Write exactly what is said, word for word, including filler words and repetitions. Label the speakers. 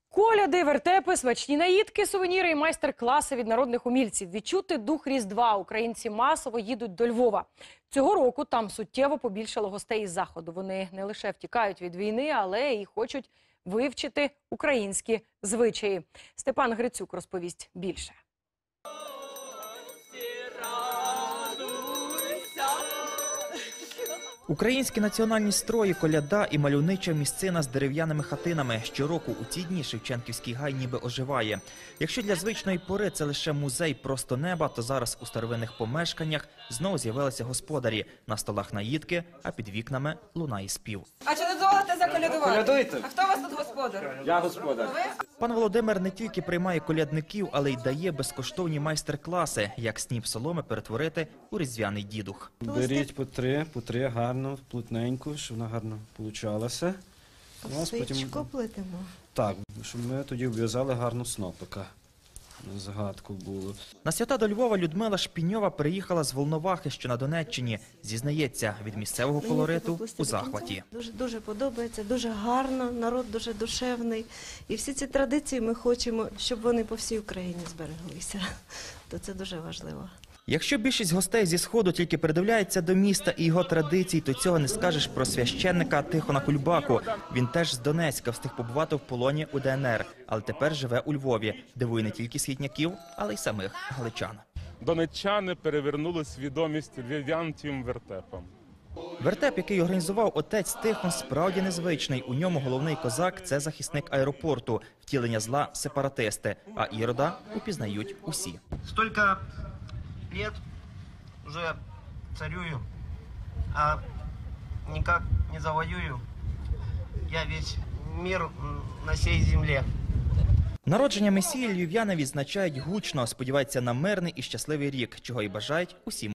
Speaker 1: Коляди, вертепи, смачні наїдки, сувеніри і майстер-класи від народних умільців. Відчути дух Різдва українці масово їдуть до Львова. Цього року там суттєво побільшало гостей із Заходу. Вони не лише втікають від війни, але й хочуть вивчити українські звичаї. Степан Грицюк розповість більше.
Speaker 2: Українські національні строї, коляда і мальовнича місцина з дерев'яними хатинами. Щороку у ці дні Шевченківський гай ніби оживає. Якщо для звичної пори це лише музей просто неба, то зараз у старовинних помешканнях знову з'явилися господарі. На столах наїдки, а під вікнами лунає спів.
Speaker 3: А чи не дозволите заколядувати?
Speaker 4: Колядуйте.
Speaker 3: А хто у вас тут господар?
Speaker 4: Я господар.
Speaker 2: Пан Володимир не тільки приймає колядників, але й дає безкоштовні майстер-класи, як сніп соломи перетворити у різдвяний дідух.
Speaker 4: Беріть по три, по три гарно, плотненько, щоб вона гарно получалася.
Speaker 5: Свічку плетемо.
Speaker 4: Так, щоб ми тоді вв'язали гарну снопика. Згадку було.
Speaker 2: На свята до Львова Людмила Шпіньова приїхала з Волновахи, що на Донеччині. Зізнається, від місцевого колориту у захваті.
Speaker 5: Дуже, дуже подобається, дуже гарно, народ дуже душевний. І всі ці традиції ми хочемо, щоб вони по всій Україні збереглися. То це дуже важливо.
Speaker 2: Якщо більшість гостей зі Сходу тільки придивляється до міста і його традицій, то цього не скажеш про священника Тихона Кульбаку. Він теж з Донецька, встиг побувати в полоні у Де Ен Ер, але тепер живе у Львові. Дивує не тільки східняків, але й самих галичан.
Speaker 6: Донеччани перевернули свідомість львів'ян тим вертепом.
Speaker 2: Вертеп, який організував отець Тихон, справді незвичний. У ньому головний козак – це захисник аеропорту, втілення зла – сепаратисти, а Ірода упізнають усі.
Speaker 7: Столько лет уже царюю, а никак не завоюю я весь мир на сей земле.
Speaker 2: Народження Месії львів'яни відзначають гучно, сподіваються на мирний і щасливий рік, чого і бажають усім